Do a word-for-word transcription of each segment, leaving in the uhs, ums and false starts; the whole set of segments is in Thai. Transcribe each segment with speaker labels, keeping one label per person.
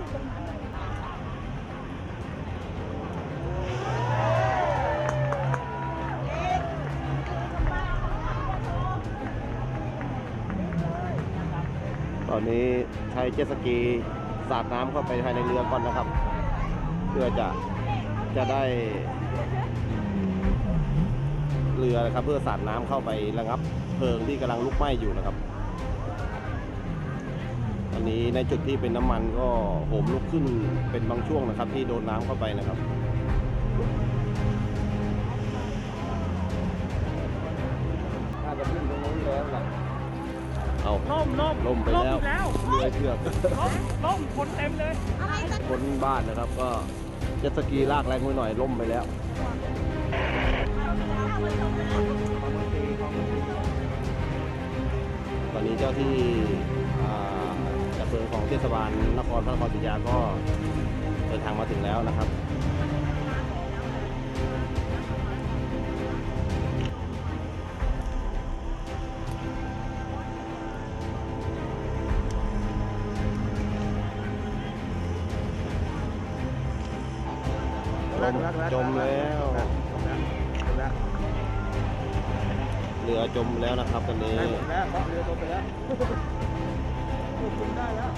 Speaker 1: ตอนนี้ใช้เจ็ตสกีสาดน้ำเข้าไปภายในเรือก่อนนะครับเพื่อจะจะได้เรือนะครับเพื่อสาดน้ำเข้าไประงับเพลิงที่กำลังลุกไหม้อยู่นะครับอันนี้ในจุดที่เป็นน้ำมันก็โหมลุกขึ้นเป็นบางช่วงนะครับที่โดนน้ำเข้าไปนะครับน่าจะขึ้นตรงนู้นแล้วล่ะเอาล่มล่มล่มไปแล้วเรือเชือกล่มล่มคนเต็มเลยคนบ้านนะครับก็เจ็ตสกีลากแรงไปหน่อยล่มไปแล้วตอนนี้เจ้าที่ดับเพลิงของเทศบาลนครพระนครศรีอยุธยาก็เดินทางมาถึงแล้วนะครับจมแล้วเรือจมแล้วนะครับตอนนี้เรือจมไปแล้วได้แล้ว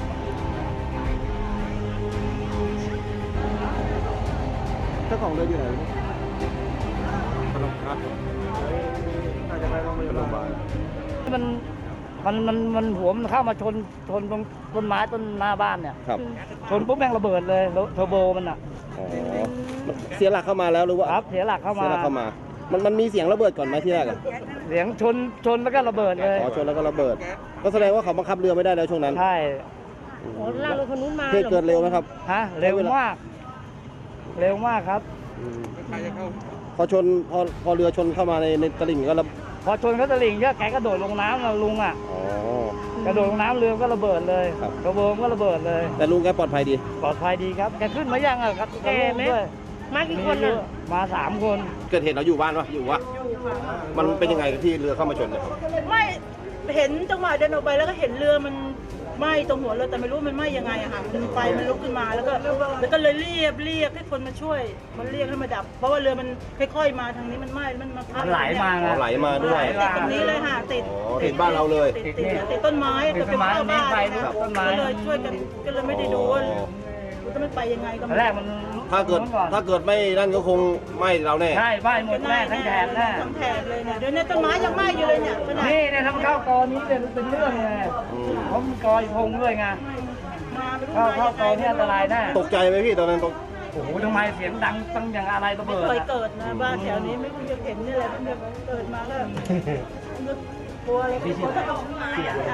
Speaker 1: เจ้าของเรืออยู่ไหนพนมครับน่าจะไปโรงพยาบาล
Speaker 2: มันมันมันมันหัวมันเข้ามาชนชนตรงต้นไม้ต้นหน้าบ้านเนี่ยชนปุ๊บแม่งระเบิดเลยเทอร์โบมันอ่ะ
Speaker 1: อ๋อเสียหลักเข้ามาแล้วหรือว่า
Speaker 2: ครับเสียหลักเข้ามาเสียหลัก
Speaker 1: เข้ามามันมันมีเสียงระเบิดก่อนไหมที่แรกอะ
Speaker 2: เสียงชนชนแล้วก็ระเบิดเลย
Speaker 1: อ๋อชนแล้วก็ระเบิดก็แสดงว่าเขาบังคับเรือไม่ได้แล้วช่วงนั้น
Speaker 2: ใช่
Speaker 3: โอ้ลากรถคนนู้นมา
Speaker 1: เหตุเกิดเร็วไหมครับ
Speaker 2: ฮะเร็วมากเร็วมากครับ
Speaker 1: พอชนพอพอเรือชนเข้ามาในในตลิ่งก็ระ
Speaker 2: พอชนเขาตลิ่งก็แกกระโดดลงน้ำนะลุงอ่ะ
Speaker 1: อ๋อก
Speaker 2: ระโดดลงน้ำเรือก็ระเบิดเลยกระโบงก็ระเบิดเลย
Speaker 1: แต่ลุงแกปลอดภัยดี
Speaker 2: ปลอดภัยดีครับแกขึ้นมายังอ่ะครับ
Speaker 3: แกไหมมากี่คนอ่ะ
Speaker 2: มาสามคน
Speaker 1: เกิดเหตุเราอยู่บ้านวะอยู่วะมันเป็นยังไงที่เรือเข้ามาชนเนี่ย
Speaker 3: ไม่เห็นจังหวะเดินออกไปแล้วก็เห็นเรือมันไหม้ตรงหัวเรือแต่ไม่รู้มันไหม้ยังไงอะค่ะไฟมันลุกขึ้นมาแล้วก็แล้วก็เลยเรียกเรียกให้คนมาช่วยมันเรียกให้มาดับเพราะว่าเรือมันค่อยๆมาทางนี้มันไหม้มันมา
Speaker 2: มันไหลมา
Speaker 1: ไหลมาด้วย
Speaker 3: ติดตรงนี้เลยค่ะติด
Speaker 1: ติดบ้านเราเลย
Speaker 3: ติดติดติดต้นไม้ก็เป็นเข้าบ้านก็เลยช่วยกันก็เลยไม่ได้ดูว่าจะไม่ไปยังไงก็
Speaker 2: แรกมัน
Speaker 1: ถ้าเกิดถ้าเกิดไม่นั่นก็คงไหม้เราแน่
Speaker 2: ใช่ไหม้หมดแน่ทั้งแถบแน่
Speaker 3: ทั้งแถบเลยเนี่ยเดี๋ยวนี้ต้นไม้ยังไหม้อยู่เลยเนี่ย
Speaker 2: นี่เนี่ยทำข้าวกอนี้เป็นเป็นเรื่องเลยเขามีกอยพงด้วยไงข้าวข้าวกอนี่อันตรายแน่
Speaker 1: ตกใจไหมพี่ตอนนั้นตก
Speaker 2: โอ้โหทำไมเสียงดังตั้งอย่างอะไรระเบิด
Speaker 3: ไม่เคยเกิดนะบ้านแถวนี้ไม่เคยเห็นนี่แหละเพิ่งเกิดมาก็กลัวอะไรเขาจะเอาไม้อะ